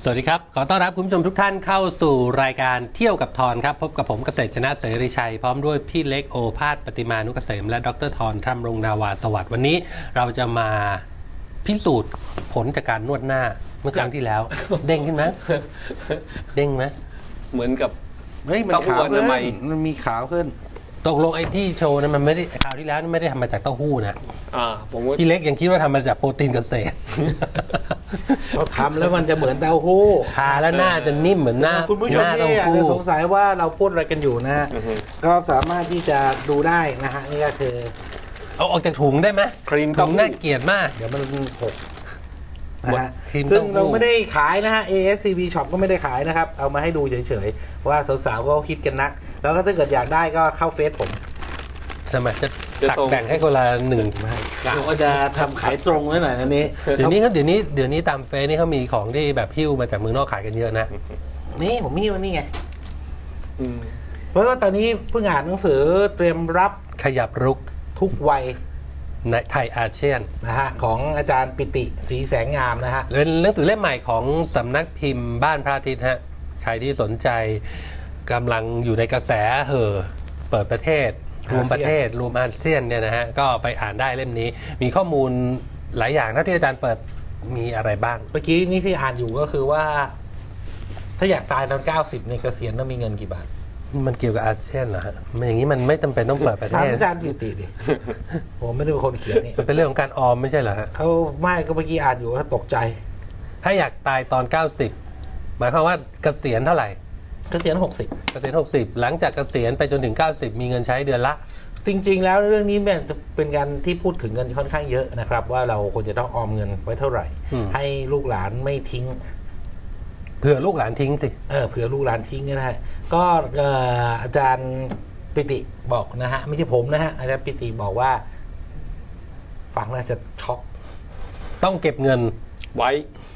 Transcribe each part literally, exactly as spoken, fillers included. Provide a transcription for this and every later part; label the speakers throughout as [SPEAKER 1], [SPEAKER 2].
[SPEAKER 1] สวัสดีครับขอต้อนรับคุณผู้ชมทุกท่านเข้าสู่รายการเที่ยวกับทอนครับพบกับผมเกษตรชนะเสรีชัยพร้อมด้วยพี่เล็กโอภาสปฏิมานุกเกษมและดรทอนทำรงนาวาสวัสดิ์วันนี้เราจะมาพิสูจน์ผลจากการนวดหน้าเมื่อครั้งที่แล้ว เด้งขึ้นไหมเด้งไหม
[SPEAKER 2] เหมือนกับ
[SPEAKER 3] เฮ้ยมันขาวขึ้นมันมีขาวขึ้น
[SPEAKER 1] ตกลงไอ้ที่โชว์นั้นมันไม่ได้คราวที่แล้วไม่ได้ทำมาจากเต้าหู้นะ
[SPEAKER 2] อ่าผม
[SPEAKER 1] พี่เล็กยังคิดว่าทำมาจากโปรตีนเกษตร
[SPEAKER 3] เราทำแล้วมันจะเหมือนเต้าหู้
[SPEAKER 1] ทาแล้วหน้าจะนิ่มเหมือนหน้า
[SPEAKER 3] คุณผู้ชมที่อาจจะสงสัยว่าเราพูดอะไรกันอยู่นะก็สามารถที่จะดูได้นะฮะนี่ก็คือ
[SPEAKER 1] เอาออกจากถุงได้ไหม
[SPEAKER 2] ครีม
[SPEAKER 1] ถุงน่าเกลียดมาก
[SPEAKER 3] เดี๋ยวมันหกนะฮะซึ่งเราไม่ได้ขายนะฮะ เอ เอส ซี บี Shop ก็ไม่ได้ขายนะครับเอามาให้ดูเฉยๆว่าสาวๆก็คิดกันนักแล้วก็ถ้าเกิดอยากได้ก็เข้าเฟซผม
[SPEAKER 1] สมัยจะตักแบ่งให้คนละหนึ่ง
[SPEAKER 3] เราก็จะทำขายตรงไว้หน่อยนะนี้
[SPEAKER 1] เดี๋ยวนี้เขาเดี๋ยวนี้เดี๋ยวนี้ตามเฟซนี่เขามีของที่แบบพิ้วมาจากเมืองนอกขายกันเยอะนะ
[SPEAKER 3] นี่ผมมีวันนี้ไงเพราะว่าตอนนี้เพิ่งอ่านหนังสือเตรียมรับ
[SPEAKER 1] ขยับรุก
[SPEAKER 3] ทุกวัย
[SPEAKER 1] ในไทยอาเซียน
[SPEAKER 3] นะฮะของอาจารย์ปิติศรีแสงงามนะฮะ
[SPEAKER 1] เป็นหนังสือเล่มใหม่ของสำนักพิมพ์บ้านพระอาทิตย์ฮะใครที่สนใจกำลังอยู่ในกระแสเห่อเปิดประเทศรวมประเทศรวมอาเซียนเนี่ยนะฮะก็ไปอ่านได้เล่มนี้มีข้อมูลหลายอย่างนะที่อาจารย์เปิดมีอะไรบ้าง
[SPEAKER 3] เมื่อกี้นี่ที่อ่านอยู่ก็คือว่าถ้าอยากตายตอนเก้าสิบในเกษียณต้องมีเงินกี่บาท
[SPEAKER 1] มันเกี่ยวกับอาเซียนเหรอฮะมันอย่างนี้มันไม่จำเป็นต้องเปิดประเทศ
[SPEAKER 3] อาจารย์ปิติดิผมไม่ได้เป็นคนเขียนนี่
[SPEAKER 1] มันเป็นเรื่องของการออมไม่ใช่เหรอฮะ
[SPEAKER 3] เขาไม่ก็เมื่อกี้อ่านอยู่ก็ตกใจ
[SPEAKER 1] ถ้าอยากตายตอนเก้าสิบหมายความว่าเกษียณเท่าไหร่
[SPEAKER 3] เกษียณหกสิบ
[SPEAKER 1] เกษียณหกสิบหลังจากเกษียณไปจนถึงเก้าสิบมีเงินใช้เดือนละ
[SPEAKER 3] จริงๆแล้วเรื่องนี้จะเป็นการที่พูดถึงกันค่อนข้างเยอะนะครับว่าเราควรจะต้องออมเงินไว้เท่าไหร่ให้ลูกหลานไม่ทิ้ง
[SPEAKER 1] เผื่อลูกหลานทิ้งสิ
[SPEAKER 3] เออเผื่อลูกหลานทิ้งก็ได้ก็อาจารย์ปิติบอกนะฮะไม่ใช่ผมนะฮะอาจารย์ปิติบอกว่าฟังแล้วจะช็อก
[SPEAKER 1] ต้องเก็บเงิน
[SPEAKER 2] ไว้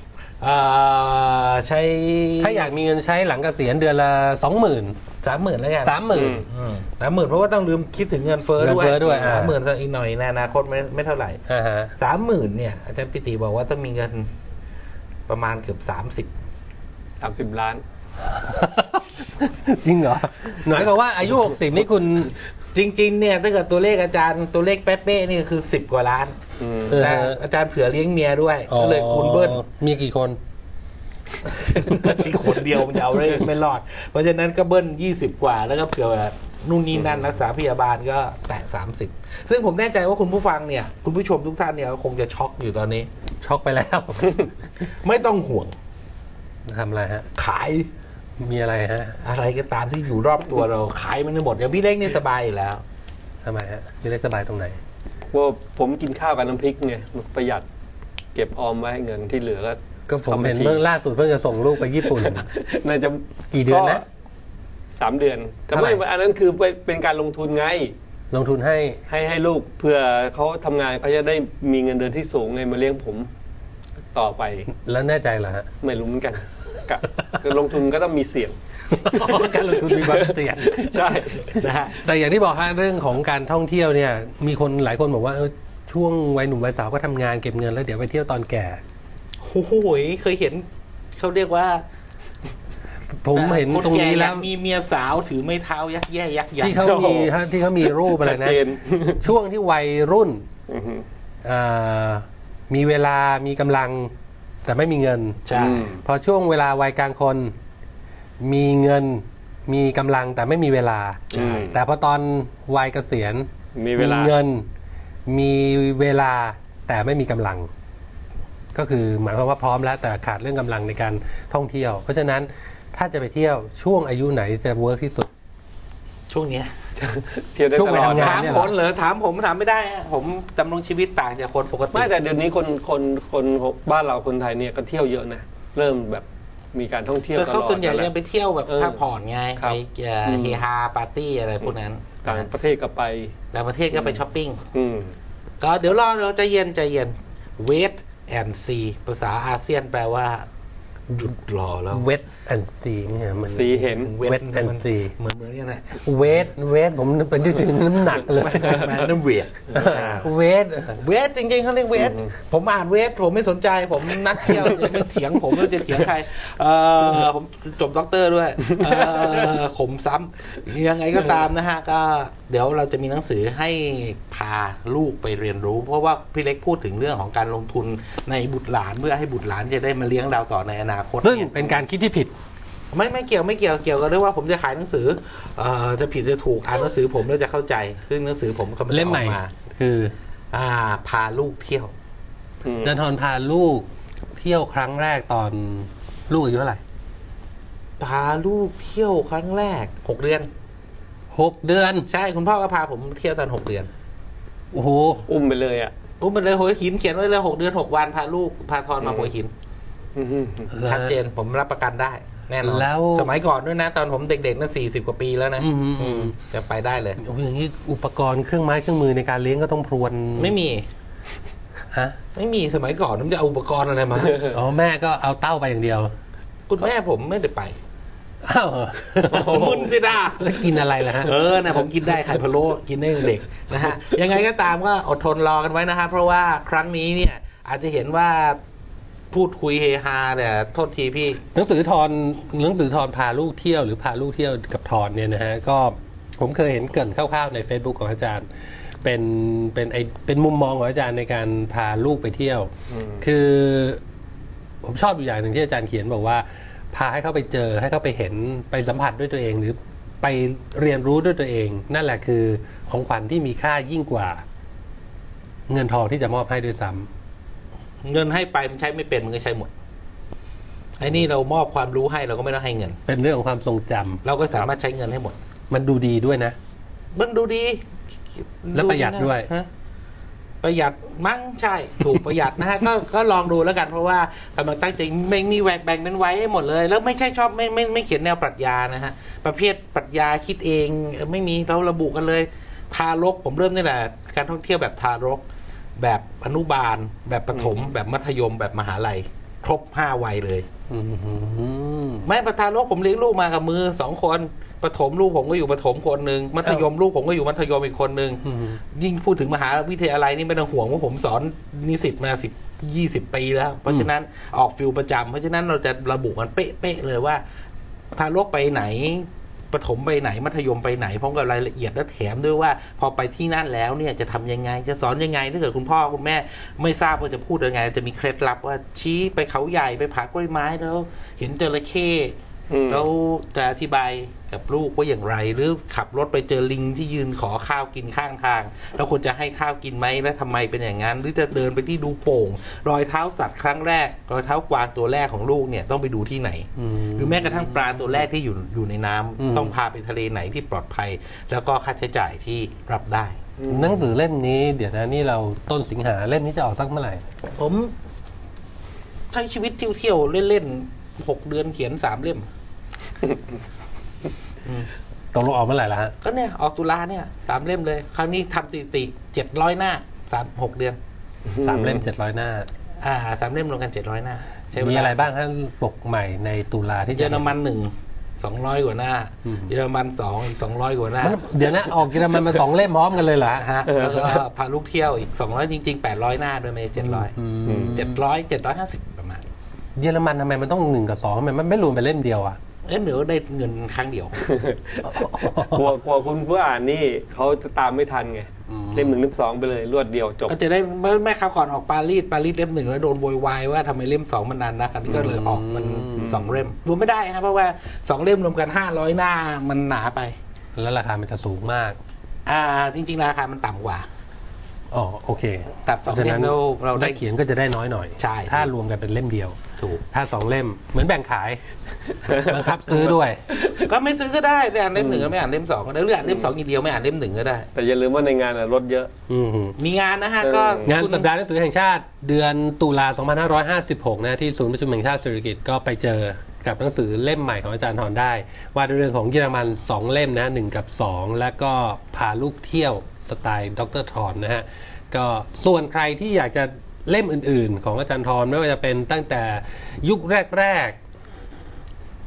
[SPEAKER 3] ใช้
[SPEAKER 1] ถ้าอยากมีเงินใช้หลังเกษียณเดือนละสองหมื่น
[SPEAKER 3] สามหมื่นแล้วกัน
[SPEAKER 1] สามหมื่น
[SPEAKER 3] สามหมื่นเพราะว่าต้องลืมคิดถึงเงินเฟ้อด้วยสามหมื่นอีกหน่อยในอนาคตไม่ไม่เท่าไหร่สามหมื่นเนี่ยอาจารย์ปิติบอกว่าต้องมีเงินประมาณเกือบสามสิบ
[SPEAKER 2] สามสิบล้าน
[SPEAKER 1] จริงเหรอหมายความว่าอายุหกสิบนี่คุณ
[SPEAKER 3] จริงๆเนี่ยถ้าเกิดตัวเลขอาจารย์ตัวเลขเป๊ะๆนี่คือสิบกว่าล้านแต่อาจารย์เผื่อเลี้ยงเมียด้วยก็เลยคูณเบิ้ล
[SPEAKER 1] มีกี่คน
[SPEAKER 3] มีคนเดียวมันจะเอาได้ไม่รอดเพราะฉะนั้นก็เบิ้ลยี่สิบกว่าแล้วก็เผื่อนู่นนี่นั่นรักษาพยาบาลก็แตะสามสิบซึ่งผมแน่ใจว่าคุณผู้ฟังเนี่ยคุณผู้ชมทุกท่านเนี่ยคงจะช็อกอยู่ตอนนี้
[SPEAKER 1] ช็อกไปแล้ว
[SPEAKER 3] ไม่ต้องห่วง
[SPEAKER 1] ทำอะไรฮะ
[SPEAKER 3] ขาย
[SPEAKER 1] มีอะไรฮะ
[SPEAKER 3] อะไรก็ตามที่อยู่รอบตัวเราขายมันหมดเดี๋ยวพี่เล็กนี่สบายอยู่แล้ว
[SPEAKER 1] ทำไมฮะพี่เล็กสบายตรงไหน
[SPEAKER 2] ว่าผมกินข้าวกับน้ำพริกไงประหยัดเก็บออมไว้เงินที่เหลือก็
[SPEAKER 1] ก็ผมเห็นเมื่อล่าสุดเพิ่งจะส่งลูกไปญี่ปุ่น
[SPEAKER 2] น่าจะ
[SPEAKER 1] กี่เดือนนะ
[SPEAKER 2] สามเดือนแต่ไม่อันนั้นคือเป็นการลงทุนไง
[SPEAKER 1] ลงทุนให้
[SPEAKER 2] ให้ให้ลูกเพื่อเขาทำงานเขาจะได้มีเงินเดือนที่สูงไงมาเลี้ยงผมต่อไป
[SPEAKER 1] แล้วแน่ใจเหรอฮะ
[SPEAKER 2] ไม่รู้เหมือนกันการลงทุนก็ต้องมีเสี่ยง
[SPEAKER 1] การลงทุนมีความเสี่ยง
[SPEAKER 2] ใช่
[SPEAKER 1] นะฮะแต่อย่างที่บอกฮะเรื่องของการท่องเที่ยวเนี่ยมีคนหลายคนบอกว่าช่วงวัยหนุ่มวัยสาวก็ทำงานเก็บเงินแล้วเดี๋ยวไปเที่ยวตอนแก่
[SPEAKER 3] โอ้โหเคยเห็นเขาเรียกว่า
[SPEAKER 1] ผมเห็นตรงนี้แล้ว
[SPEAKER 3] มีเมียสาวถือไม้เท้ายักแย่ยักยั
[SPEAKER 1] กที่เขามีที่เขามีรูปอะไรนะช่วงที่วัยรุ่นมีเวลามีกำลังแต่ไม่มีเงิน
[SPEAKER 3] ใช่
[SPEAKER 1] พอช่วงเวลาวัยกลางคนมีเงินมีกำลังแต่ไม่มีเวลาแต่พอตอนวัยเกษียณ
[SPEAKER 2] มี
[SPEAKER 1] เงินมีเวลาแต่ไม่มีกำลังก็คือหมายความว่าพร้อมแล้วแต่ขาดเรื่องกำลังในการท่องเที่ยวเพราะฉะนั้นถ้าจะไปเที่ยวช่วงอายุไหนจะเวิร์กที่สุด
[SPEAKER 3] ช่วงนี้
[SPEAKER 1] ช่วงวัยทำงาน
[SPEAKER 3] ถามผมเหรอถามผมถามไม่ได้ผมดำรงชีวิตต่างจากคนปกติ
[SPEAKER 2] ไม่แต่เดี๋ยวนี้คนคนคนบ้านเราคนไทยเนี่ยก็เที่ยวเยอะนะเริ่มแบบมีการท่องเที่ยวตลอด
[SPEAKER 3] เขาส่วนใหญ่ยังไปเที่ยวแบบพักผ่อนไงไปเฮฮาปาร์ตี้อะไรพวกนั้น
[SPEAKER 2] ต่างประเทศก็ไป
[SPEAKER 3] ต่างประเทศก็ไปช้อปปิ้งก็เดี๋ยวรอเราใจเย็นใจเย็น wait and see ภาษาอาเซียนแปลว่าหยุดรอแล้ว
[SPEAKER 1] เวทแอนซีนี่ฮะมัน
[SPEAKER 2] สีเห็น
[SPEAKER 1] Wet and See
[SPEAKER 3] เหมือนเหมือนกันแหละ
[SPEAKER 1] เวทเวทผมเป็นที่ถึงน้ำหนักเลย
[SPEAKER 3] แมนนั่นเวท
[SPEAKER 1] เวท
[SPEAKER 3] เวทจริงๆเขาเรียกเวทผมอ่านเวทผมไม่สนใจผมนักเที่ยวจะไม่เถียงผมไม่จะเถียงใครเออผมจบด็อกเตอร์ด้วยเออขมซ้ำยังไงก็ตามนะฮะก็เดี๋ยวเราจะมีหนังสือให้พาลูกไปเรียนรู้ เพราะว่าพี่เล็กพูดถึงเรื่องของการลงทุนในบุตรหลานเพื่อให้บุตรหลานจะได้มาเลี้ยงเราต่อในอนาคต
[SPEAKER 1] ซึ่ง
[SPEAKER 3] เนี่ย
[SPEAKER 1] เป็นการคิดที่ผิด
[SPEAKER 3] ไม่ไม่เกี่ยวไม่เกี่ยวเกี่ยวกับเรื่องว่าผมจะขายหนังสือเอ่อจะผิดจะถูกอ่านหนังสือผมแล้วจะเข้าใจ ซึ่งหนังสือผมก็ไได้
[SPEAKER 1] เล่มใหม่
[SPEAKER 3] ออกมา
[SPEAKER 1] คือ
[SPEAKER 3] อ่าพาลูกเที่ยว
[SPEAKER 2] อืม
[SPEAKER 1] จันทรพาลูกเที่ยวครั้งแรกตอนลูกอายุเท่าไหร่
[SPEAKER 3] พาลูกเที่ยวครั้งแรกหกเดือน
[SPEAKER 1] หกเดือน
[SPEAKER 3] ใช่คุณพ่อก็พาผมเที่ยวตอนหกเดือน
[SPEAKER 1] โอ้โห
[SPEAKER 2] อุ้มไปเลยอ่ะ
[SPEAKER 3] อุ้มไปเลยหัวหินเขียนไว้เลยหกเดือนหกวันพาลูกพาทอนมาหัวหิน
[SPEAKER 2] อืม
[SPEAKER 3] ชัดเจนผมรับประกันได้ แน่นอน
[SPEAKER 1] แล้ว
[SPEAKER 3] สมัยก่อนด้วยนะ ตอนผมเด็กๆนั่นสี่สิบกว่าปีแล้วนะ
[SPEAKER 1] อืมอืม
[SPEAKER 3] อืมจะไปได้เลย
[SPEAKER 1] โอ้โหอย่างนี้อุปกรณ์เครื่องไม้เครื่องมือในการเลี้ยงก็ต้องพรวน
[SPEAKER 3] ไม่มี
[SPEAKER 1] ฮะ
[SPEAKER 3] ไม่มีสมัยก่อนผมจะเอาอุปกรณ์อะไรมา
[SPEAKER 1] อ๋อแม่ก็เอาเต้าไปอย่างเดียว
[SPEAKER 3] คุณแม่ผมไม่ได้ไป
[SPEAKER 1] อ้าว
[SPEAKER 3] มุนสิดา
[SPEAKER 1] แล้วกินอะไรล่ะฮะ
[SPEAKER 3] เออนะผมกินได้ไข่พะโล้กินได้ตั้งแต่เด็กนะฮะยังไงก็ตามก็อดทนรอกันไว้นะฮะเพราะว่าครั้งนี้เนี่ยอาจจะเห็นว่าพูดคุยเฮฮาแต่โทษทีพี่
[SPEAKER 1] หนังสือทอนหนังสือทอนพาลูกเที่ยวหรือพาลูกเที่ยวกับทอนเนี่ยนะฮะก็ผมเคยเห็นเกรินคร่าวๆใน Facebook ของอาจารย์ เป็นเป็นไอเป็นมุมมองของอาจารย์ในการพาลูกไปเที่ยว คือ ผมชอบอยู่อย่างหนึ่งที่อาจารย์เขียนบอกว่า พาให้เขาไปเจอให้เขาไปเห็นไปสัมผัสด้วยตัวเอง หรือไปเรียนรู้ด้วยตัวเอง นั่นแหละคือของขวัญที่มีค่ายิ่งกว่า เงินทองที่จะมอบให้ด้วยซ้ำ
[SPEAKER 3] เงินให้ไปมันใช้ไม่เป็นมันก็ใช้หมดไอ้นี่เรามอบความรู้ให้เราก็ไม่ต้องให้เงิน
[SPEAKER 1] เป็นเรื่องของความทรงจำ
[SPEAKER 3] เราก็สามารถใช้เงินให้หมด
[SPEAKER 1] มันดูดีด้วยนะ
[SPEAKER 3] มันดูดี
[SPEAKER 1] และประหยัดด้วย
[SPEAKER 3] ฮะประหยัดมั้งใช่ ถูกประหยัดนะฮะ ก็ก็ลองดูแล้วกันเพราะว่ากำลังตั้งใจไม่มีแหวกแบ่งเป็นไว้ให้หมดเลย แล้วไม่ใช่ชอบไม่ไม่ไม่เขียนแนวปรัชญานะฮะ ประเภทปรัชญาคิดเองไม่มีเราระบุกันเลย ทารกผมเริ่มนี่แหละการท่องเที่ยวแบบทารก แบบอนุบาล แบบประถม แบบมัธยม แบบมหาลัย ครบห้าวัยเลย
[SPEAKER 1] อืม
[SPEAKER 3] ไม่ประทารกผมเลี้ยงลูกมากับมือสองคนประถมลูกผมก็อยู่ประถมคนหนึ่งมัธยมลูกผมก็อยู่มัธยมอีกคนหนึ่ง
[SPEAKER 1] อืม
[SPEAKER 3] ยิ่งพูดถึงมหาวิทยาลัยนี่ไม่ต้องห่วงว่าผมสอนนิสิตมาสิบยี่สิบปีแล้ว เพราะฉะนั้นออกฟิลประจำเพราะฉะนั้นเราจะระบุกันเป๊ะๆเลยว่าทารกไปไหนประถมไปไหนมัธยมไปไหนพร้อมกับรายละเอียดและแถมด้วยว่า พอไปที่นั่นแล้วเนี่ยจะทำยังไงจะสอนยังไงถ้าเกิดคุณพ่อคุณแม่ไม่ทราบว่าจะพูดยังไงจะมีเคล็ดลับว่าชี้ไปเขาใหญ่ไปผากล้วยไม้แล้ว เห็นจระเข้
[SPEAKER 2] อืม
[SPEAKER 3] แล้วจะอธิบายกับลูกว่าอย่างไร หรือขับรถไปเจอลิงที่ยืนขอข้าวกินข้างทางแล้วควรจะให้ข้าวกินไหมและทำไมเป็นอย่างนั้น หรือจะเดินไปที่ดูโป่ง รอยเท้าสัตว์ครั้งแรก รอยเท้ากวางตัวแรกของลูกเนี่ยต้องไปดูที่ไหน
[SPEAKER 1] อืม
[SPEAKER 3] หรือแม้กระทั่งปลาตัวแรกที่อยู่อยู่ในน้ำ
[SPEAKER 1] อืม
[SPEAKER 3] ต้องพาไปทะเลไหนที่ปลอดภัย แล้วก็ค่าใช้จ่ายที่รับได้
[SPEAKER 1] หนังสือเล่มนี้เดี๋ยวนะนี่เราต้นสิงหาเล่มนี้จะออกสักเมื่อไหร่
[SPEAKER 3] ผมใช้ชีวิตเที่ยวๆเล่นๆหกเดือนเขียนสามเล่ม
[SPEAKER 1] ตกลงออกเมื่อไหร่ละฮะ
[SPEAKER 3] ก็เนี่ยออกตุลาเนี่ยสามเล่มเลย ครั้งนี้ทำสถิติเจ็ดร้อยหน้าสามหกเดือน
[SPEAKER 1] สามเล่มเจ็ดร้อยหน้า
[SPEAKER 3] อ่าสามเล่มรวมกันเจ็ดร้อยหน้าใช้เวลา
[SPEAKER 1] มีอะไรบ้างฮะปกใหม่ในตุลาที่จะ
[SPEAKER 3] เยอรมันหนึ่งสองร้อยกว่าหน้า
[SPEAKER 1] อืม
[SPEAKER 3] เยอรมันสองอีกสองร้อยกว่าหน้า
[SPEAKER 1] มันเดี๋ยวนะออกกินมันมาสองเล่มพร้อมกันเลยเหรอฮะ
[SPEAKER 3] ฮะแล้วก็พาลูกเที่ยวอีกสองร้อยจริงๆแปดร้อยหน้าด้วยไม่เจ็ดร้อย
[SPEAKER 1] อืม
[SPEAKER 3] เจ็ดร้อยเจ็ดร้อยห้าสิบประมาณ
[SPEAKER 1] เยอรมันทำไมมันต้องหนึ่งกับสองทำไมมันไม่รวมเป็นเล่มเดียวอ่ะ
[SPEAKER 3] เอ๊ะเดี๋ยวได้เงินครั้งเดียว
[SPEAKER 2] กลัวกลัวคุณผู้อ่านนี่เขาจะตามไม่ทันไง
[SPEAKER 1] อืม
[SPEAKER 2] เล่มหนึ่งเล่มสองไปเลยรวดเดียวจบ
[SPEAKER 3] ก็จะได้เมื่อแม่คราวก่อนออกปารีสปารีสเล่มหนึ่งแล้วโดนโวยวายว่าทำไมเล่มสองมันนานนะคราวนี้ก็เลยออกมันสองเล่มรวมไม่ได้ครับเพราะว่าสองเล่มรวมกันห้าร้อยหน้ามันหนาไป
[SPEAKER 1] แล้วราคามันจะสูงมาก
[SPEAKER 3] อ่าจริงๆราคามันต่ำกว่า
[SPEAKER 1] อ๋อโอเค
[SPEAKER 3] ตัดสองเล่มเราเราได้
[SPEAKER 1] ได้เขียนก็จะได้น้อยหน่อย
[SPEAKER 3] ใช่
[SPEAKER 1] ถ้ารวมกันเป็นเล่มเดียว
[SPEAKER 3] ถูก
[SPEAKER 1] ถ้าสองเล่มเหมือนแบ่งขายบังคับซื้อด้วย
[SPEAKER 3] ก็ไม่ซื้อก็ได้ได้อ่านเล่มหนึ่งก็ไม่อ่านเล่มสองก็ได้หรืออ่านเล่มสองอย่างเดียวไม่อ่านเล่มหนึ่งก็ได้
[SPEAKER 2] แต่อย่าลืมว่าในงานอะรถเยอะ
[SPEAKER 1] อืม
[SPEAKER 3] มีงานนะฮะ
[SPEAKER 2] เออ
[SPEAKER 3] ก็
[SPEAKER 1] งาน
[SPEAKER 3] คุณ
[SPEAKER 1] สัปดาห์หนังสือแห่งชาติเดือนตุลาสองพันห้าร้อยห้าสิบหกนะที่ศูนย์ประชุมแห่งชาติเศรษฐกิจก็ไปเจอกับหนังสือเล่มใหม่ของอาจารย์ทรได้ ว่าด้วยเรื่องของเยอรมันสองเล่มนะหนึ่งกับสองแล้วก็พาลูกเที่ยวสไตล์ดรทรนะฮะก็ส่วนใครที่อยากจะเล่มอื่นๆ ของอาจารย์ทรไม่ว่าจะเป็นตั้งแต่ยุคแรกๆ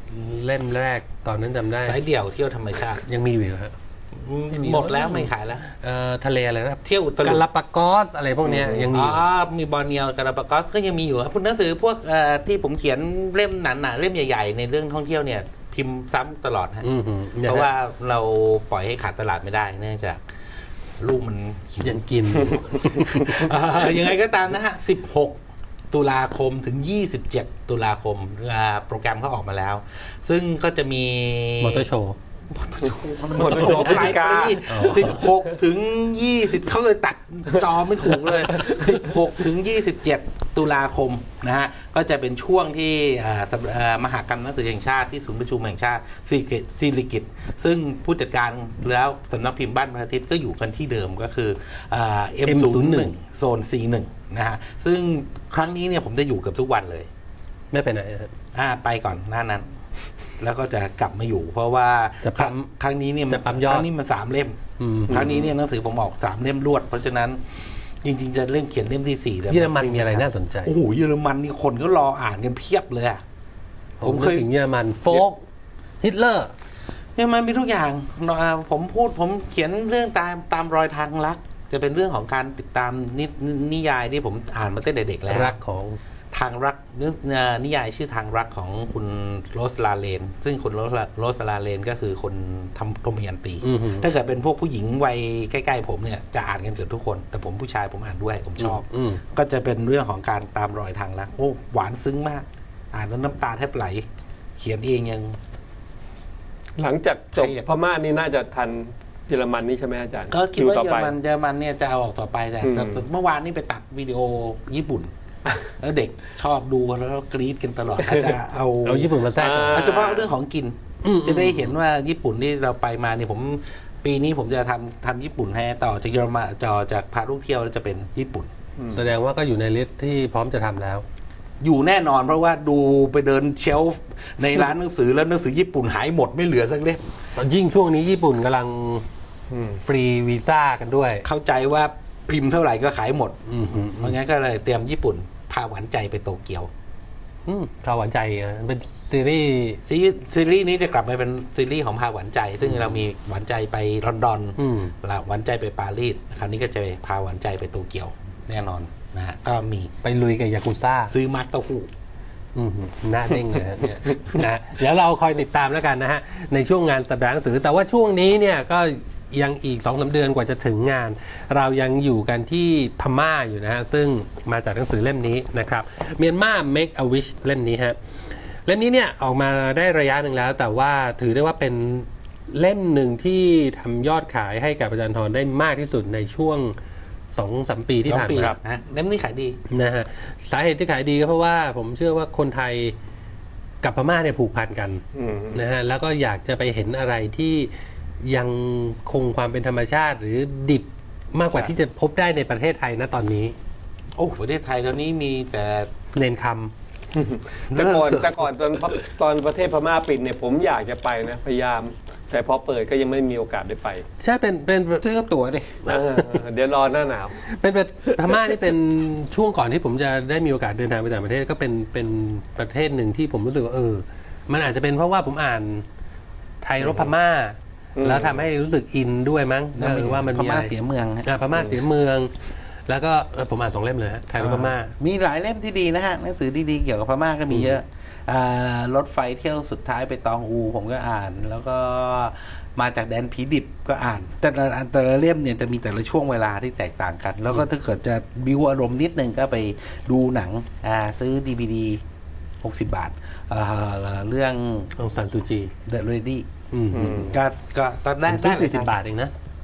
[SPEAKER 1] เล่มแรกตอนนั้นจำได้
[SPEAKER 3] สายเดี่ยวเที่ยวธรรมชาติ
[SPEAKER 1] ยังมีอยู่เหรอฮะ
[SPEAKER 3] หมดแล้วไม่ขายแล้ว
[SPEAKER 1] เอ่อทะเลอะไรนะ
[SPEAKER 3] เที่ยวอุต
[SPEAKER 1] กา
[SPEAKER 3] ลุ
[SPEAKER 1] ลาปากอสอะไรพวกเนี้ยยังมี
[SPEAKER 3] อ๋
[SPEAKER 1] อ
[SPEAKER 3] อยู่ มีบอร์เนียวกาลาปากอสก็ยังมีอยู่ครับพวกหนังสือพวกเอ่อที่ผมเขียนเล่มหนาๆเล่มใหญ่ๆในเรื่องท่องเที่ยวเนี่ยพิมพ์ซ้ำตลอดฮะ
[SPEAKER 1] อือหือนี่ย
[SPEAKER 3] เพราะ
[SPEAKER 1] ฮ
[SPEAKER 3] ว่าเราปล่อยให้ขาดตลาดไม่ได้เนื่องจากลูกมันหิว
[SPEAKER 1] ยังกิน
[SPEAKER 3] เอ่อยังไงก็ตามนะฮะสิบหกตุลาคมถึงยี่สิบเจ็ดตุลาคมอ่าโปรแกรมเขาออกมาแล้ว ซึ่งก็จะมี
[SPEAKER 1] มอเตอร์โชว์
[SPEAKER 3] หมดโชว์ปลายปีสิบหกถึงยี่สิบเขาเลยตัดจอไม่ถูกเลยสิบหกถึงยี่สิบเจ็ดตุลาคมนะฮะก็จะเป็นช่วงที่อ่าสำอ่ามหกรรมหนังสือแห่งชาติที่ศูนย์ประชุมแห่งชาติสิริกิติ์สิริกิติ์ซึ่งผู้จัดการแล้วสำนักพิมพ์บ้านพระอาทิตย์ก็อยู่กันที่เดิมก็คืออ่า เอ็ม ศูนย์ หนึ่ง โซน ซี หนึ่ง นะฮะซึ่งครั้งนี้เนี่ยผมจะอยู่เกับทุกวันเลย
[SPEAKER 1] ไม่ไปไหนฮะ
[SPEAKER 3] อ่าไปก่อนหน้านั้น แล้วก็จะกลับมาอยู่ เพราะว่า
[SPEAKER 1] จะปั๊ม
[SPEAKER 3] ครั้งนี้เนี่ยมัน
[SPEAKER 1] จะปั๊มยอด
[SPEAKER 3] ครั้งนี้มันสามเล่ม
[SPEAKER 1] อืม
[SPEAKER 3] ครั้งนี้เนี่ยหนังสือผมออกสามเล่มรวด เพราะฉะนั้นจริง ๆ จะเล่มเขียนเล่มที่สี่แต่
[SPEAKER 1] เยอรมันมีอะไรน่าสนใจ
[SPEAKER 3] โอ้โหเยอรมันนี่คนก็รออ่านกันเพียบเลยอะ
[SPEAKER 1] ผ
[SPEAKER 3] ผม ม
[SPEAKER 1] เค
[SPEAKER 3] เค
[SPEAKER 1] ย
[SPEAKER 3] ย
[SPEAKER 1] ถึงเยอรมันโฟกฮิตเลอร์
[SPEAKER 3] เยอรมันมีทุกอย่างอ่าผมพูดผมเขียนเรื่องตามตามรอยทางรัก จะเป็นเรื่องของการติดตามนินิยายที่ผมอ่านมาตั้งแต่เด็กแล้ว
[SPEAKER 1] รักของ
[SPEAKER 3] ทางรักเนื้อเอ่อนิยายชื่อทางรักของคุณโรสลาเลน ซึ่งคุณโรสลาโรสลาเลนก็คือคนทำโทมยันตี
[SPEAKER 1] อือหือ
[SPEAKER 3] ถ้าเกิดเป็นพวกผู้หญิงวัยใกล้ๆผมเนี่ยจะอ่านกันเกือบทุกคน แต่ผมผู้ชายผมอ่านด้วยผมชอบ
[SPEAKER 1] อืม
[SPEAKER 3] ก็จะเป็นเรื่องของการตามรอยทางรักโอ้หวานซึ้งมาก อ่านแล้วน้ำตาแทบไหล เขียนเองยัง
[SPEAKER 2] หลังจากจบ
[SPEAKER 3] ใครอ่ะ
[SPEAKER 2] พม่านี่น่าจะทันเยอรมันนี่ใช่ไหมอาจารย์
[SPEAKER 3] ก็คิดว่า
[SPEAKER 2] ต่อ
[SPEAKER 3] เยอ
[SPEAKER 2] ไป
[SPEAKER 3] รมันเยอรมันเนี่ยจะเอาออกต่อไปแต่
[SPEAKER 2] อืม
[SPEAKER 3] แต่แต่เมื่อวานนี่ไปตัดวิดีโอญี่ปุ่น แล้วเด็กชอบดูแล้วก็กรี๊ดกันตลอดอาจจะเอา
[SPEAKER 1] เอาญี่ปุ่นมาแทรก
[SPEAKER 2] อ่า
[SPEAKER 3] เอาเฉพาะเรื่องของกิน
[SPEAKER 1] อืม
[SPEAKER 3] จะได้เห็นว่าญี่ปุ่นที่เราไปมาเนี่ยผมปีนี้ผมจะทำทำญี่ปุ่นให้ต่อจากเยอรมันต่อจากพาลูกเที่ยวแล้วจะเป็นญี่ปุ่น
[SPEAKER 1] แสดงว่าก็อยู่ในลิสต์ที่พร้อมจะทำแล้ว
[SPEAKER 3] อยู่แน่นอนเพราะว่าดูไปเดินเชลฟ์ในร้านหนังสือแล้วหนังสือญี่ปุ่นหายหมดไม่เหลือสักเล่ม
[SPEAKER 1] ยิ่งช่วงนี้ญี่ปุ่นกำลัง
[SPEAKER 2] อืม
[SPEAKER 1] ฟรีวีซ่ากันด้วย
[SPEAKER 3] เข้าใจว่าพิมพ์เท่าไหร่ก็ขายหมด
[SPEAKER 1] อืมอืม
[SPEAKER 3] เพราะงั้นก็เลยเตรียมญี่ปุ่นพาหวานใจไปโตเกียว
[SPEAKER 1] อืมข่าวหวานใจอ่ะเป็นซีรีส์
[SPEAKER 3] ซีซีรีส์นี้จะกลับมาเป็นซีรีส์ของพาหวานใจ ซึ่งเรามีหวานใจไปลอนดอน
[SPEAKER 1] อืม
[SPEAKER 3] แล้วหวานใจไปปารีสคราวนี้ก็จะพาหวานใจไปโตเกียวแน่นอนนะฮะก็มี
[SPEAKER 1] ไปลุยกับยากุซ่า
[SPEAKER 3] ซื้อมัดเต้าหู้
[SPEAKER 1] อืมหน้าเด้งเลยฮะเนี่ยนะเดี๋ยวเราคอยติดตามแล้วกันนะฮะ ในช่วงงานสัปดาห์หนังสือ แต่ว่าช่วงนี้เนี่ยก็ยังอีกสองสาเดือนกว่าจะถึงงาน เรายังอยู่กันที่พม่าอยู่นะฮะ ซึ่งมาจากหนังสือเล่มนี้นะครับเมียนมา Make a Wish เล่มนี้ฮะ เล่มนี้เนี่ยออกมาได้ระยะหนึ่งแล้ว แต่ว่าถือได้ว่าเป็นเล่มหนึ่งที่ทำยอดขายให้กับอาจารย์ธรได้มากที่สุดในช่วงสองสามปีที่ผ่าน
[SPEAKER 3] ปี
[SPEAKER 1] มา
[SPEAKER 2] ครับ
[SPEAKER 3] นะเล่มนี้ขายดี
[SPEAKER 1] นะฮะสาเหตุที่ขายดีก็เพราะว่าผมเชื่อว่าคนไทยกับพม่าเนี่ยผูกพันกัน
[SPEAKER 2] อืม
[SPEAKER 1] นะฮะแล้วก็อยากจะไปเห็นอะไรที่ยังคงความเป็นธรรมชาติ หรือดิบมากกว่า
[SPEAKER 2] ครับ
[SPEAKER 1] ที่จะพบได้ในประเทศไทยนะตอนนี้
[SPEAKER 3] โอ้ประเทศไทยตอนนี้มีแต่
[SPEAKER 1] เนนค
[SPEAKER 2] แต่ก่อนแต่ก่อนตอนตอนประเทศพม่าปิดเนี่ยผมอยากจะไปนะพยายาม แต่พอเปิดก็ยังไม่มีโอกาสได้ไป
[SPEAKER 1] ำใช่เป็นเป็น
[SPEAKER 3] ซื้อตั๋วดิ
[SPEAKER 2] เออเดี๋ยวรอหน้าหนาว
[SPEAKER 1] เป็นเป็นพม่านี่เป็นช่วงก่อนที่ผมจะได้มีโอกาสเดินทางไปต่างประเทศก็เป็นเป็นประเทศหนึ่งที่ผมรู้สึกว่าเออ มันอาจจะเป็นเพราะว่าผมอ่านไทยรบพม่า
[SPEAKER 2] อืม
[SPEAKER 1] แล้วทำให้รู้สึกอินด้วยมั้งเออว่ามัน
[SPEAKER 3] พ
[SPEAKER 1] มีอะ
[SPEAKER 3] ม่า
[SPEAKER 1] ไร
[SPEAKER 3] เสียเมืองฮะ
[SPEAKER 1] อ่าพม่าเสียเมือง แล้วก็เออผมอ่านสองเล่มเลยฮะไทยรบพม่า
[SPEAKER 3] มีหลายเล่มที่ดีนะฮะหนังสือดีๆเกี่ยวกับพม่าก็มีเยอะอ่ารถไฟเที่ยวสุดท้ายไปตองอู ผมก็อ่าน แล้วก็มาจากแดนผีดิบก็อ่าน แต่ละอันแต่ละเล่มเนี่ยจะมีแต่ละช่วงเวลาที่แตกต่างกัน แล้วก็ถ้าเกิดจะบิวอารมณ์นิดนึงก็ไปดูหนังอ่าซื้อดีวีดีหกสิบบาทเอ่อเรื่อง
[SPEAKER 1] องซันซูจี
[SPEAKER 3] The Lady
[SPEAKER 1] อืม
[SPEAKER 2] อืม
[SPEAKER 3] ก็ก็ตอนแร
[SPEAKER 1] ผ
[SPEAKER 3] ก
[SPEAKER 1] มซื้อ
[SPEAKER 3] ได้
[SPEAKER 1] สี่สิบบาทเองนะ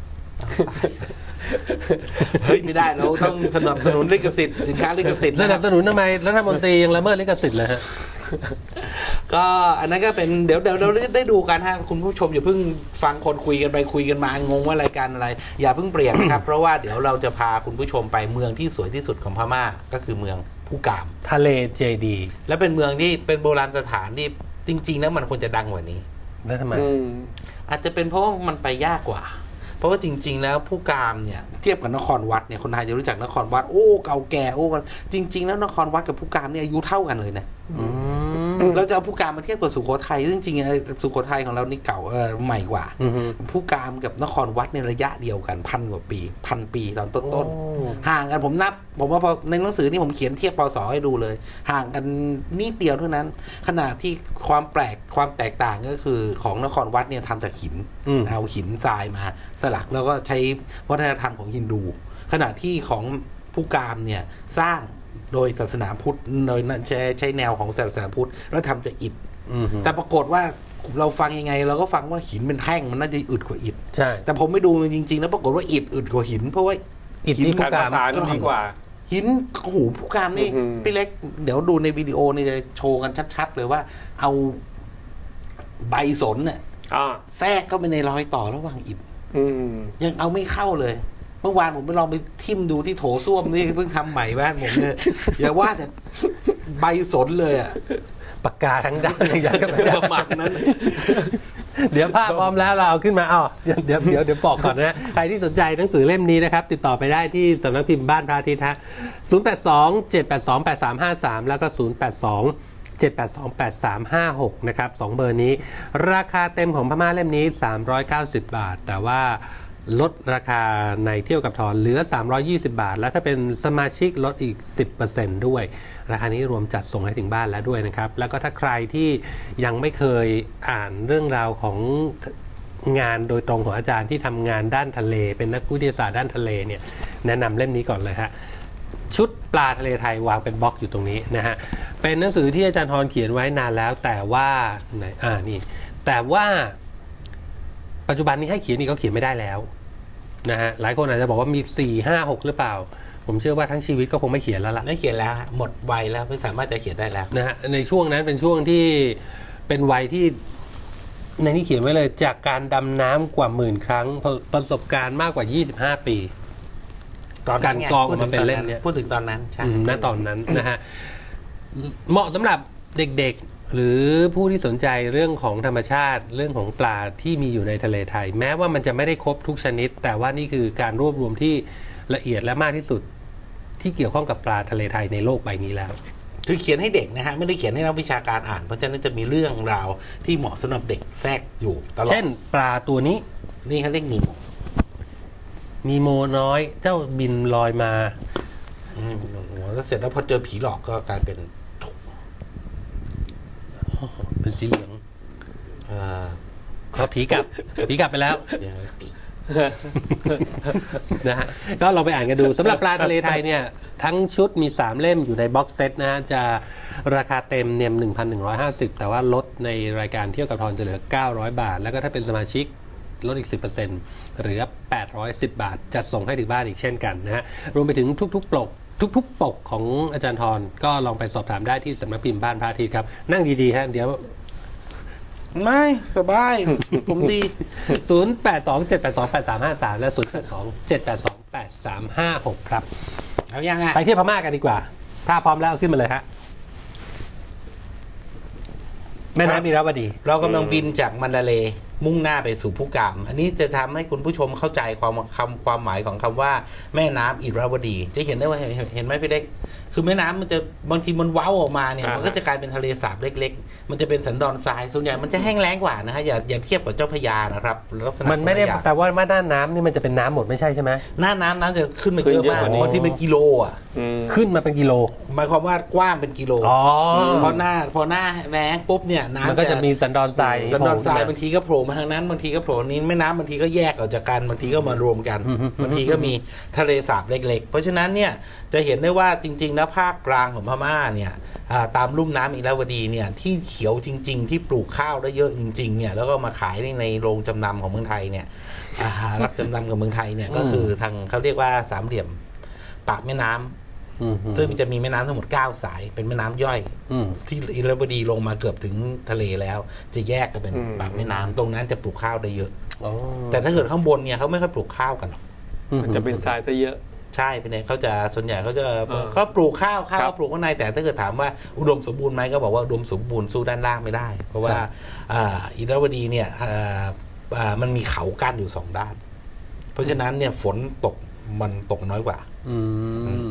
[SPEAKER 3] เฮ้ยไม่ได้เราต้องสนับสนุนลิขสิทธิ์สินค้าลิขสิทธิ์
[SPEAKER 1] ส
[SPEAKER 3] นะค
[SPEAKER 1] นั
[SPEAKER 3] รั
[SPEAKER 1] บบ สนุนทำไมรัฐมนตรียังละเมิดลิขสิทธิ์เลยฮะ
[SPEAKER 3] ก็อันนั้นก็เป็นเดี๋ยวเดี๋ยวเราได้ดูกันฮะคุณผู้ชมอย่าเพิ่งฟังคนคุยกันไปคุยกันมางงว่ารายการอะไร อย่าเพิ่งเปลี่ยนนะครับ เพราะว่าเดี๋ยวเราจะพาคุณผู้ชมไปเมืองที่สวยที่สุดของพม่าก็คือเมืองผู้กาม
[SPEAKER 1] ทะเลเจดี
[SPEAKER 3] และเป็นเมืองที่เป็นโบราณสถานที่จริงๆแล้วมันควรจะดังกว่านี้
[SPEAKER 1] แล้วทำไม
[SPEAKER 2] อืม
[SPEAKER 3] อาจจะเป็นเพราะว่ามันไปยากกว่า เพราะว่าจริง ๆ แล้วผู้กามเนี่ยเทียบกับนครวัดเนี่ยคนไทยจะรู้จักนครวัดโอ้เก่าแก่โอ้จริง ๆ แล้วนครวัดกับผู้กามเนี่ยอายุเท่ากันเลยนะ
[SPEAKER 1] อืม
[SPEAKER 3] เราจะเอาผู้การมาเทียบกับสุโขทัยซึ่งจริงๆสุโขทัยของเรานี่เก่าเออใหม่กว่าผู้การกับนครวัดในระยะเดียวกันพันกว่าปีพันปีตอนต้นๆห่างกันผมนับผมว่าพอในหนังสือที่ผมเขียนเทียบปศให้ดูเลยห่างกันนิดเดียวเท่านั้นขณะที่ความแปลกความแตกต่างก็คือของนครวัดเนี่ยทำจากหินเอาหินทรายมาสลักแล้วก็ใช้วัฒนธรรมของฮินดูขณะที่ของผู้การเนี่ยสร้างโดยศาสนาพุทธโดยใช้ใช้แนวของศาสนาพุทธแล้วทำจากอิฐแต่ปรากฏว่าเราฟังยังไงเราก็ฟังว่าหินเป็นแท่งมันน่าจะอึดกว่าอิฐ
[SPEAKER 1] ใช่
[SPEAKER 3] แต่ผมไม่ดูจริงๆแล้วปรากฏว่าอิฐอึดกว่าหินเพราะว่า
[SPEAKER 1] อิฐที่ผู้การ
[SPEAKER 2] ดีกว่า
[SPEAKER 3] หินโอ้โหผู้การนี่พี่เล็กเดี๋ยวดูในวิดีโอนี่จะโชว์กันชัดๆเลยว่าเอาใบสนเนี่ยแทรกเข้าไปในรอยต่อระหว่างอิฐยังเอาไม่เข้าเลยเมื่อวานผมไปลองไปทิ่มดูที่โถส้วมนี่เพิ่งทำใหม่บ้านผมเนี่ยอย่าว่าแต่ใบสนเลยอ่ะ
[SPEAKER 1] ปากกาทั้งด้านอย่างนั้น
[SPEAKER 3] ประมาณนั้น
[SPEAKER 1] เดี๋ยวภาพพร้อมแล้วเราเอาขึ้นมาอ๋อเดี๋ยวเดี๋ยวเดี๋ยวเดี๋ยวบอกก่อนนะใครที่สนใจหนังสือเล่มนี้นะครับติดต่อไปได้ที่สำนักพิมพ์บ้านพระอาทิตย์ฮะศูนย์ แปด สอง เจ็ด แปด สอง แปด สาม ห้า สามแล้วก็ศูนย์ แปด สอง เจ็ด แปด สอง แปด สาม ห้า หกนะครับสองเบอร์นี้ราคาเต็มของพม่าเล่มนี้สามร้อยเก้าสิบบาทแต่ว่าลดราคาในเที่ยวกับทอนเหลือสามร้อยยี่สิบบาทแล้วถ้าเป็นสมาชิกลดอีก สิบเปอร์เซ็นต์ ด้วยราคานี้รวมจัดส่งให้ถึงบ้านแล้วด้วยนะครับแล้วก็ถ้าใครที่ยังไม่เคยอ่านเรื่องราวของงานโดยตรงของอาจารย์ที่ทำงานด้านทะเลเป็นนักวิทยาศาสตร์ด้านทะเลเนี่ยแนะนำเล่มนี้ก่อนเลยฮะชุดปลาทะเลไทยวางเป็นบล็อกอยู่ตรงนี้นะฮะเป็นหนังสือที่อาจารย์ทอนเขียนไว้นานแล้วแต่ว่าไหนอ่านี่แต่ว่าปัจจุบันนี้ให้เขียนอีกก็เขียนไม่ได้แล้วนะฮะหลายคนอาจจะบอกว่ามีสี่ ห้า หกหรือเปล่าผมเชื่อว่าทั้งชีวิตก็คงไม่เขียนแล้วล่ะ
[SPEAKER 3] ไม่เขียนแล้วหมดวัยแล้วไม่สามารถจะเขียนได้แล้ว
[SPEAKER 1] นะฮะในช่วงนั้นเป็นช่วงที่เป็นวัยที่ในนี้เขียนไว้เลยจากการดำน้ำกว่าหมื่นครั้งประสบการณ์มากกว่ายี่สิบห้าปีการกองมาเป็นเล่มเนี้ย
[SPEAKER 3] พูดถึงตอนนั้นใช่
[SPEAKER 1] ณตอนนั้นนะฮะเหมาะสำหรับเด็กๆหรือผู้ที่สนใจเรื่องของธรรมชาติเรื่องของปลาที่มีอยู่ในทะเลไทยแม้ว่ามันจะไม่ได้ครบทุกชนิดแต่ว่านี่คือการรวบรวมที่ละเอียดและมากที่สุดที่เกี่ยวข้องกับปลาทะเลไทยในโลกใบนี้แล้ว
[SPEAKER 3] คือเขียนให้เด็กนะฮะไม่ได้เขียนให้นักวิชาการอ่านเพราะฉะนั้นจะมีเรื่องราวที่เหมาะสำหรับเด็กแทรกอยู่ตลอด
[SPEAKER 1] เช่นปลาตัวนี้
[SPEAKER 3] นี่เขาเรียกนีโม
[SPEAKER 1] นีโมน้อยเจ้าบินลอยมา
[SPEAKER 3] อืมแล้วเสร็จแล้วพอเจอผีหลอกก็กลายเป็น
[SPEAKER 1] เป็นสีเหลืองพอผีกลับผีกลับไปแล้วนะฮะก็ลองไปอ่านกันดูสำหรับปลาทะเลไทยเนี่ยทั้งชุดมีสามเล่มอยู่ในบ็อกเซตนะฮะจะราคาเต็มเนี่ย หนึ่งพันหนึ่งร้อยห้าสิบ แต่ว่าลดในรายการเที่ยวกับทอนจะเหลือเก้าร้อยบาทแล้วก็ถ้าเป็นสมาชิกลดอีก สิบเปอร์เซ็นต์ เหลือแปดร้อยสิบบาทจัดส่งให้ถึงบ้านอีกเช่นกันนะฮะรวมไปถึงทุกๆปกทุกๆปกของอาจารย์ทรก็ลองไปสอบถามได้ที่สำนักพิมพ์บ้านพระอาทิตย์ครับนั่งดีๆฮะเดี๋ยว
[SPEAKER 3] ไม่สบายผมดี
[SPEAKER 1] ศูนย์ แปด สอง เจ็ด แปด สอง แปด สาม ห้า สาม และ ศูนย์ แปด สอง เจ็ด แปด สอง แปด สาม ห้า หก ครับ
[SPEAKER 3] เอายังไง
[SPEAKER 1] ไปเที่ยวพม่ากันดีกว่าถ้าพร้อมแล้วขึ้นมาเลยฮะแม่น้ำอิราวดี
[SPEAKER 3] เรากำลังบินจากมันดาเลย์มุ่งหน้าไปสู่ภูกามอันนี้จะทำให้คุณผู้ชมเข้าใจความคำความหมายของคำว่าแม่น้ำอิราวดีจะเห็นได้ว่าเห็นไหมพี่เล็กคือแม่น้ำมันจะบางทีมันเว้าออกมาเนี่ยมันก็จะกลายเป็นทะเลสาบเล็กๆมันจะเป็นสันดอนทรายส่วนใหญ่มันจะแห้งแล้งกว่านะฮะอย่าอย่าเทียบกับเจ้าพระยานะครับ
[SPEAKER 1] ลักษณะมันไม่ได้แต่ว่าหน้าน้ำนี่มันจะเป็นน้ำหมดไม่ใช่ใช่ไหม
[SPEAKER 3] หน้าน้ำน้ำจะขึ้นมาเยอะมากบางทีเป็นกิโลอ่ะ
[SPEAKER 1] ขึ้นมาเป็นกิโล
[SPEAKER 3] หมายความว่ากว้างเป็นกิโลพอหน้าพอหน้าแล้งปุ๊บเนี่ยน้ำ
[SPEAKER 1] มันก็จะมีสันดอนทราย
[SPEAKER 3] สันดอนทรายบางทีก็โผล่มาทางนั้นบางทีก็โผล่นี้แม่น้ำบางทีก็แยกออกจากกันบางทีก็มารวมกันบางทีก็มีทะเลสาบเล็กๆเพราะฉะนั้นเนี่ยจะเห็นได้ว่าจริงๆแล้วภาคกลางของพม่าเนี่ยตามลุ่มน้ำอิราวดีเนี่ยที่เขียวจริงๆที่ปลูกข้าวได้เยอะจริงๆเนี่ยแล้วก็มาขายในโรงจำนำของเมืองไทยเนี่ยรับจำนำกับเมืองไทยเนี่ยก็คือทางเขาเรียกว่าสามเหลี่ยมปากแม่น้ำซึ่งจะมีแม่น้ำทั้งหมดเก้าสายเป็นแม่น้ำย่อยที่อิราวดีลงมาเกือบถึงทะเลแล้วจะแยกกันเป็นปากแม่น้ำตรงนั้นจะปลูกข้าวได้เยอะแต่ถ้าเกิดข้างบนเนี่ยเขาไม่ค่อยปลูกข้าวกันหรอก
[SPEAKER 2] มันจะเป็นทรายซะเยอะ
[SPEAKER 3] ใช่เป็นไงเขาจะส่วนใหญ่เขาจะเขาปลูกข้าวข้าวปลูกข้างในแต่ถ้าเกิดถามว่าอุดมสมบูรณ์ไหมก็บอกว่าอุดมสมบูรณ์สู้ด้านล่างไม่ได้เพราะว่าอิราวดีเนี่ยมันมีเขากั้นอยู่สองด้านเพราะฉะนั้นเนี่ยฝนตกมันตกน้อยกว่า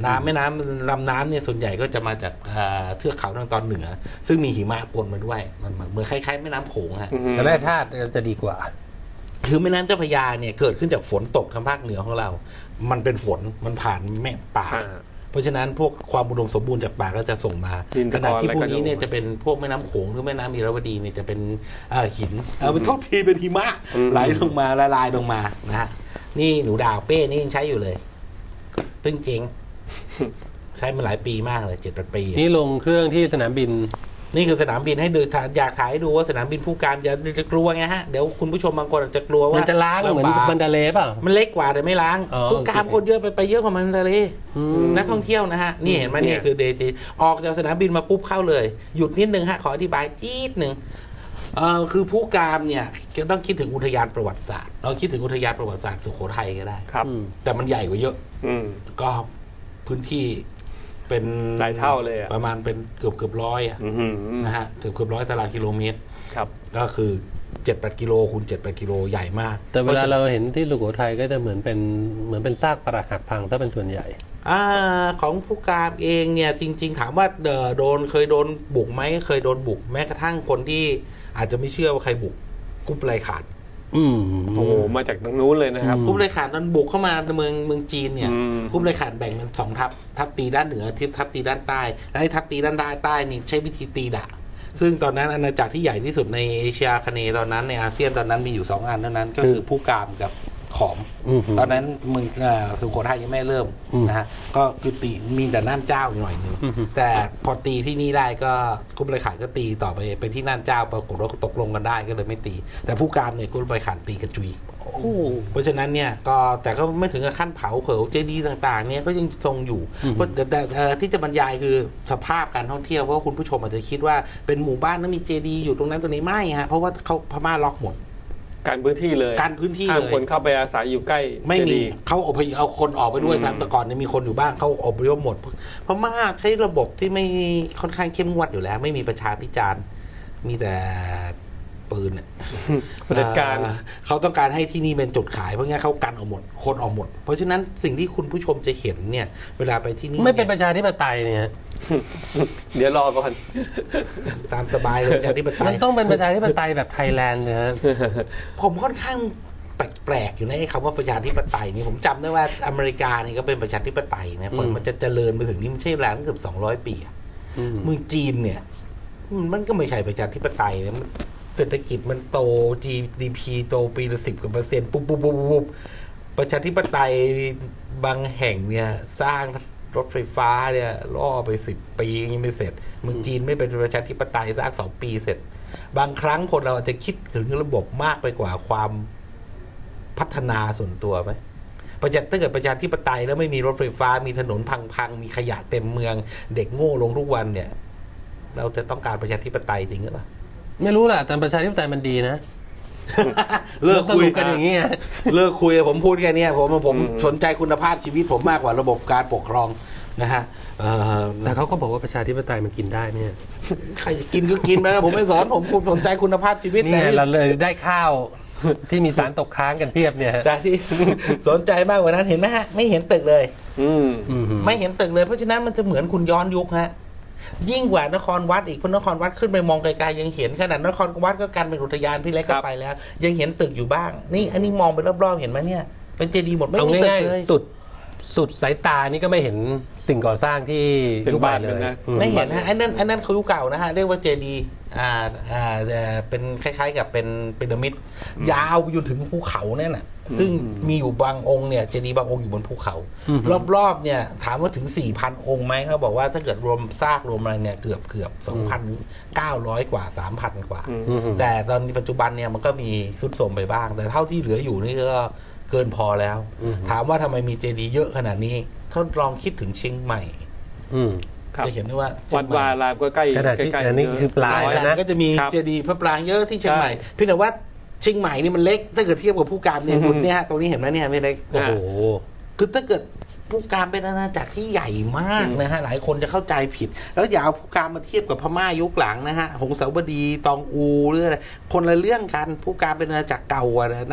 [SPEAKER 3] น้ำแม่น้ำลำน้ำเนี่ยส่วนใหญ่ก็จะมาจากอ่าเทือกเขาทางตอนเหนือ ซึ่งมีหิมะปนมาด้วยมันเหมือนคล้ายๆแม่น้ำโขงฮะ
[SPEAKER 1] แต่แร่ธาตุจะดีกว่า
[SPEAKER 3] คือแม่น้ำเจ้าพระยาเนี่ยเกิดขึ้นจากฝนตกทางภาคเหนือของเรา มันเป็นฝนมันผ่านแม่ป่า
[SPEAKER 2] อ่า
[SPEAKER 3] เพราะฉะนั้นพวกความอุดมสมบูรณ์จากป่าก็จะส่งมา
[SPEAKER 2] ดิน
[SPEAKER 3] ข
[SPEAKER 2] ตะกอน
[SPEAKER 3] ณะที่พวก
[SPEAKER 2] อะไรก็
[SPEAKER 3] นี้เนี่ย
[SPEAKER 2] ดู
[SPEAKER 3] จะเป็นพวกแม่น้ำโขงหรือแม่น้ำอิราวดีเนี่ยจะเป็นเอ่อหินเออเป็นทุกทีเป็นหิมะ
[SPEAKER 2] อืม
[SPEAKER 3] ไหลลงมาละลายลงมานะฮะนี่หนูดาวเป้นี่ยังใช้อยู่เลยเพิ่งเจ๊งใช้มาหลายปีมากเลยเจ็ดแปดปี
[SPEAKER 1] นี่ลงเครื่องที่สนามบิน
[SPEAKER 3] นี่คือสนามบินให้ดูอยากถ่ายให้ดูว่าสนามบินผู้การจะจะกลัวไงฮะเดี๋ยวคุณผู้ชมบางคนอาจจะกลัวว่า
[SPEAKER 1] มันจะล้างเหมือน
[SPEAKER 3] ลำบาก
[SPEAKER 1] บันดาเลเปล่า
[SPEAKER 3] มันเล็กกว่าแต่ไม่ล้าง
[SPEAKER 1] อ๋อ
[SPEAKER 3] ผู้การ
[SPEAKER 1] โอเค
[SPEAKER 3] คนเยอะไปไปเยอะกว่ามันเลย
[SPEAKER 1] อืม
[SPEAKER 3] นักท่องเที่ยวนะฮะนี่เห็นไหม
[SPEAKER 2] เนี่
[SPEAKER 3] นี่
[SPEAKER 2] ย
[SPEAKER 3] คือเดจีออกจากสนามบินมาปุ๊บเข้าเลย หยุดนิดนึงฮะขออธิบายจี๊ดหนึ่งเอ่อคือผู้การเนี่ยจะต้องคิดถึงอุทยานประวัติศาสตร์เราคิดถึงอุทยานประวัติศาสตร์สุโขทัยก็ได้
[SPEAKER 2] ครับ
[SPEAKER 1] อืม
[SPEAKER 3] แต่มันใหญ่กว่าเยอะ
[SPEAKER 2] อืม
[SPEAKER 3] ก็พื้นที่เป็น
[SPEAKER 2] หลายเท่าเลยอะ
[SPEAKER 3] ประมาณเป็นเกือบเกือบร้อยอะ
[SPEAKER 2] อือหือ
[SPEAKER 3] นะฮะเกือบเกือบร้อยตารางกิโลเมตร
[SPEAKER 2] ครับ
[SPEAKER 3] ก็คือเจ็ดแปดกิโลคูณเจ็ดแปดกิโลใหญ่มาก
[SPEAKER 1] แต่เวลาเราเห็นที่สุโขทัยก็จะเหมือนเป็นเหมือนเป็นซากปรักหักพังถ้าเป็นส่วนใหญ่
[SPEAKER 3] อาของผู้การเองเนี่ยจริง ๆ ถามว่าเอ่อโดนเคยโดนบุกไหมเคยโดนบุกแม้กระทั่งคนที่อาจจะไม่เชื่อว่าใครบุกกุ๊บไรขาด
[SPEAKER 1] อืม
[SPEAKER 2] โอ้โหมาจากตรงนู้นเลยนะครับ
[SPEAKER 1] อืม
[SPEAKER 3] กุ๊บไรขาดตอนบุกเข้ามาในเมืองเมืองจีนเนี่ย
[SPEAKER 2] อืม
[SPEAKER 3] กุ๊บไรขาดแบ่งเป็นสองทัพทัพตีด้านเหนือทิพทัพตีด้านใต้และไอ้ทัพตีด้านใต้ใต้นี่ใช้วิธีตีดะซึ่งตอนนั้นอาณาจักรที่ใหญ่ที่สุดในเอเชียอาคเนย์ตอนนั้นในอาเซียนตอนนั้นมีอยู่สองอันเท่านั้นก็คือผู้กามกับขอม
[SPEAKER 1] อืม
[SPEAKER 3] ตอนนั้นเมึงเอ่อสุโขทัยยังไม่เริ่ม
[SPEAKER 1] อืม
[SPEAKER 3] นะฮะก็คือตีมีแต่น่านเจ้าอยู่หน่อยหนึง
[SPEAKER 1] อืม
[SPEAKER 3] แต่พอตีที่นี่ได้ก็กุ๊บไรขาดก็ตีต่อไปไปที่น่านเจ้าปรากฏว่าตกลงกันได้ก็เลยไม่ตี แต่ผู้กามเนี่ยกุ๊บไรขาดตีกระจุย
[SPEAKER 1] โอ้โห
[SPEAKER 3] เพราะฉะนั้นเนี่ยก็แต่ก็ไม่ถึงกับขั้นเผาเผาเจดีย์ต่างๆเนี่ยก็ยังทรงอยู่เพราะแต่แต่เอ่อที่จะบรรยายคือสภาพการท่องเที่ยวเพราะว่าคุณผู้ชมอาจจะคิดว่าเป็นหมู่บ้านแล้วมีเจดีย์อยู่ตรงนั้นตรงนี้ไม่ฮะเพราะว่าเขาพม่าล็อกหมด
[SPEAKER 2] การพื้นที่เลย
[SPEAKER 3] การพื้นที่
[SPEAKER 2] ห้าม
[SPEAKER 3] เลย
[SPEAKER 2] คนเข้าไปอาศัยอยู่ใกล้
[SPEAKER 3] ไม่มี
[SPEAKER 2] เจดีย์
[SPEAKER 3] เขาอพยพเอาคนออกไปด้วย
[SPEAKER 2] อืม
[SPEAKER 3] ซ้ำแต่ก่อนเนี่ยมีคนอยู่บ้างเขาอพยพหมดพม่าใช้ระบบที่ไม่ค่อนข้างเข้มงวดอยู่แล้ว ไม่มีประชาพิจารณ์มีแต่ปืนอะ
[SPEAKER 2] เผด็จการ
[SPEAKER 3] เอ่อเขาต้องการให้ที่นี่เป็นจุดขายเพราะงั้นเขากันออกหมดคนออกหมด เพราะฉะนั้นสิ่งที่คุณผู้ชมจะเห็นเนี่ย เวลาไปที่นี่
[SPEAKER 1] ไม่เป็นป
[SPEAKER 3] เนี่ย
[SPEAKER 1] ระชาธิปไตยเนี่ย
[SPEAKER 2] เดี๋ยวรอก่อน
[SPEAKER 3] ตามสบายเลยประชาธิปไต
[SPEAKER 1] มัน
[SPEAKER 3] ย
[SPEAKER 1] ต้องเป็นประชาธิปไตยแบบไทยแลนด์นะฮะ
[SPEAKER 3] ผมค่อนข้างแปลกๆอยู่ในไอ้คำว่าประชาธิปไตยนี่ผมจำได้ว่าอเมริกานี่ก็เป็นประชาธิปไตยนะ
[SPEAKER 1] อืม
[SPEAKER 3] มันจะเจริญไปถึงนี่มันใช่เวลาตั้งเกือบสองร้อยปีอะ
[SPEAKER 1] อืม
[SPEAKER 3] เมืองจีนเนี่ยมันก็ไม่ใช่ประชาธิปไตยนะมันเศรษฐกิจมันโต จี ดี พี โตปีละสิบกว่าเปอร์เซ็นต์ปุ๊บปุ๊บปุ๊บปุ๊บประชาธิปไตยบางแห่งเนี่ยสร้างรถไฟฟ้าเนี่ยล่อไปสิบปียังไม่เสร็จเมืองจีนไม่เป็นประชาธิปไตยสร้างสองปีเสร็จ บางครั้งคนเราอาจจะคิดถึงระบบมากไปกว่าความพัฒนาส่วนตัวไหมประชาถ้าเกิดประชาธิปไตยแล้วไม่มีรถไฟฟ้ามีถนนพังๆมีขยะเต็มเมือง เด็กโง่ลงทุกวันเนี่ย เราจะต้องการประชาธิปไตยจริงหรือเปล่า
[SPEAKER 1] ไม่รู้แหละแต่ประชาธิปไตยมันดีนะ
[SPEAKER 3] เลิกคุย
[SPEAKER 1] สรุปกันอย่างนี้ไง
[SPEAKER 3] เลิกคุยผมพูดแค่เนี้ยผมผม
[SPEAKER 2] อืม
[SPEAKER 3] สนใจคุณภาพชีวิตผมมากกว่าระบบการปกครองนะฮะเอ่อ
[SPEAKER 1] แต่เขาก็บอกว่าประชาธิปไตยมันกินได้เนี่ย
[SPEAKER 3] ใครจะกินก็กินไปนะผมไม่สอนผมผมสนใจคุณภาพชีวิต
[SPEAKER 1] นี่ไง
[SPEAKER 3] แต่
[SPEAKER 1] เราเลยได้ข้าว ที่มีสารตกค้างกันเพียบเนี่ยฮะ
[SPEAKER 3] แต่ที่ สนใจมากกว่านั้นเห็นไหมฮะไม่เห็นตึกเลย
[SPEAKER 2] อืม
[SPEAKER 1] อืม
[SPEAKER 3] ไม่เห็นตึกเลยเพราะฉะนั้นมันจะเหมือนคุณย้อนยุคฮะยิ่งกว่านครวัดอีกเพราะนครวัดขึ้นไปมองไกลๆยังเห็นขนาดนครวัดก็กันเป็นอุทยานพี่เล็ก
[SPEAKER 2] ครั
[SPEAKER 3] ก็
[SPEAKER 2] บ
[SPEAKER 3] ไปแล้ว ยังเห็นตึกอยู่บ้าง นี่อันนี้มองไปรอบๆเห็นไหมเนี่ย เป็นเจดีย์หมดไม่
[SPEAKER 1] เอา
[SPEAKER 3] มีตึก
[SPEAKER 1] ง่าย
[SPEAKER 3] เลย
[SPEAKER 1] ๆสุดสุดสายตานี่ก็ไม่เห็นสิ่งก่อสร้างที่
[SPEAKER 2] เป็น
[SPEAKER 1] ยุคใหม่
[SPEAKER 2] บ้าน
[SPEAKER 1] เล
[SPEAKER 2] เลย
[SPEAKER 1] ย
[SPEAKER 2] นะ
[SPEAKER 1] อืม
[SPEAKER 3] ไม่เห็นฮะอันนั้นอันนั้นเขายุคเก่านะฮะเรียกว่าเจดีย์อ่าอ่าเอ่อเป็นคล้ายๆกับเป็นพีระมิดยาวไปจนถึงภูเขาเนี่ยน่ะซึ่งมีอยู่บางองค์เนี่ยเจดีย์บางองค์อยู่บนภูเขา
[SPEAKER 1] อืม
[SPEAKER 3] รอบๆเนี่ยถามว่าถึง สี่พัน องค์ไหมเขาบอกว่าถ้าเกิดรวมซากรวมอะไรเนี่ยเกือบเกือบสองพันเก้าร้อยกว่า สามพัน กว่า
[SPEAKER 2] อืม
[SPEAKER 1] อืม
[SPEAKER 3] แต่ตอนนี้ปัจจุบันเนี่ยมันก็มีสุดโทรมไปบ้าง แต่เท่าที่เหลืออยู่นี่ก็เกินพอแล้ว
[SPEAKER 1] อืม
[SPEAKER 3] ถามว่าทำไมมีเจดีย์เยอะขนาดนี้ท่านลองคิดถึงเชียงใหม่
[SPEAKER 1] อืม
[SPEAKER 2] ครับ
[SPEAKER 3] จะเห็นได้ว่า
[SPEAKER 2] วัดวารามก็ใกล้
[SPEAKER 1] ขนาดที่
[SPEAKER 2] ใกล้ๆ
[SPEAKER 1] อันนี้คือปลาย
[SPEAKER 3] ร้อย
[SPEAKER 1] แล้ว
[SPEAKER 3] ล้าน
[SPEAKER 1] นะ
[SPEAKER 3] ก็จะมี
[SPEAKER 2] ครับ
[SPEAKER 3] เจดีย์พระปรางเยอะที่เชียงใหม่
[SPEAKER 2] ใช่
[SPEAKER 3] เพียงแต่ว่าเชียงใหม่นี่มันเล็ก ถ้าเกิดเทียบกับผู้การเนี่ย
[SPEAKER 2] อือฮึ
[SPEAKER 3] บุตรเนี่ยฮะตรงนี้เห็นไหมเนี่ยไม่เล็ก
[SPEAKER 1] โอ้โห
[SPEAKER 3] คือถ้าเกิดผู้การเป็นอาณาจักรที่ใหญ่มากนะฮะหลายคนจะเข้าใจผิด แล้วอย่าเอาผู้การมาเทียบกับพม่ายุคหลังนะฮะหงสาวดีตองอูหรืออะไรคนละเรื่องกันผู้การเป็นอาณาจักรเก่ากว่านั้น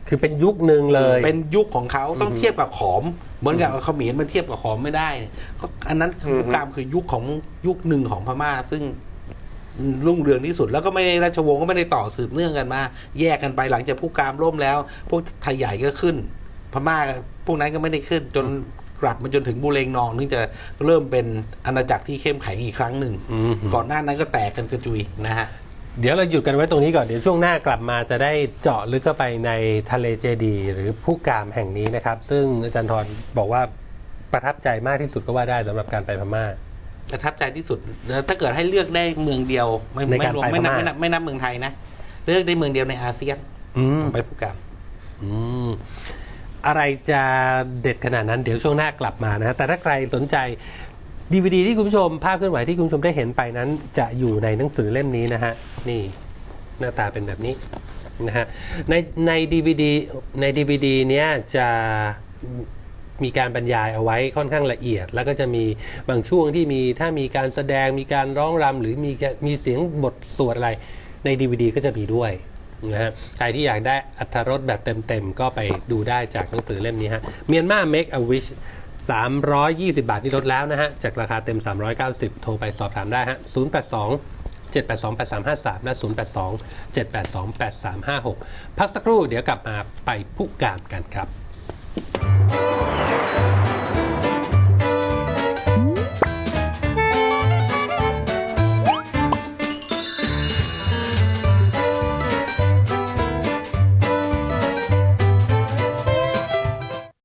[SPEAKER 1] คือเป็นยุคหนึ่งเลย
[SPEAKER 3] เป็นยุคของเขาต้องเทียบกับขอมเหมือนกับเขมรมันเทียบกับขอมไม่ได้ก็อันนั้นคือผู้กามคือยุคของยุคหนึ่งของพม่าซึ่งรุ่งเรืองที่สุดแล้วก็ไม่ได้ราชวงศ์ก็ไม่ได้ต่อสืบเนื่องกันมาแยกกันไปหลังจากผู้กามล่มแล้ว พวกไทยใหญ่ก็ขึ้น พม่าพวกนั้นก็ไม่ได้ขึ้นจนกลับมาจนถึงบูเรงนองถึงจะเริ่มเป็นอาณาจักรที่เข้มแข็งอีกครั้งหนึ่งก่อนหน้านั้นก็แตกกันกระจุยนะฮะ
[SPEAKER 1] เดี๋ยวเราหยุดกันไว้ตรงนี้ก่อนเดี๋ยวช่วงหน้ากลับมาจะได้เจาะลึกเข้าไปในทะเลเจดีย์หรือผู้กามแห่งนี้นะครับซึ่งอาจารย์ธรบอกว่าประทับใจมากที่สุดก็ว่าได้สำหรับการไปพม่า
[SPEAKER 3] ประทับใจที่สุดถ้าเกิดให้เลือกได้เมืองเดียวไม่ไม่รวมไม่นับไม่นับไม่นับเมืองไทยนะเลือกได้เมืองเดียวในอาเซียนไปผู้กาม
[SPEAKER 1] อะไรจะเด็ดขนาดนั้นเดี๋ยวช่วงหน้ากลับมานะแต่ถ้าใครสนใจดีวีดีที่คุณผู้ชมภาพเคลื่อนไหวที่คุณผู้ชมได้เห็นไปนั้นจะอยู่ในหนังสือเล่มนี้นะฮะนี่หน้าตาเป็นแบบนี้นะฮะในในดีวีดีในดีวีดีเนี้ยจะมีการบรรยายเอาไว้ค่อนข้างละเอียดแล้วก็จะมีบางช่วงที่มีถ้ามีการแสดงมีการร้องรำหรือมีมีเสียงบทสวดอะไรใน ดี วี ดี ก็จะมีด้วยนะฮะใครที่อยากได้อรรถรสแบบเต็มๆก็ไปดูได้จากหนังสือเล่มนี้ฮะเมียนมา Make a Wish สามร้อยยี่สิบบาทนี่ลดแล้วนะฮะจากราคาเต็มสามร้อยเก้าสิบโทรไปสอบถามได้ฮะศูนย์ แปด สอง เจ็ด แปด สอง แปด สาม ห้า สามและศูนย์ แปด สอง เจ็ด แปด สอง แปด สาม ห้า หกพักสักครู่เดี๋ยวกลับมาไปผู้การกันครับ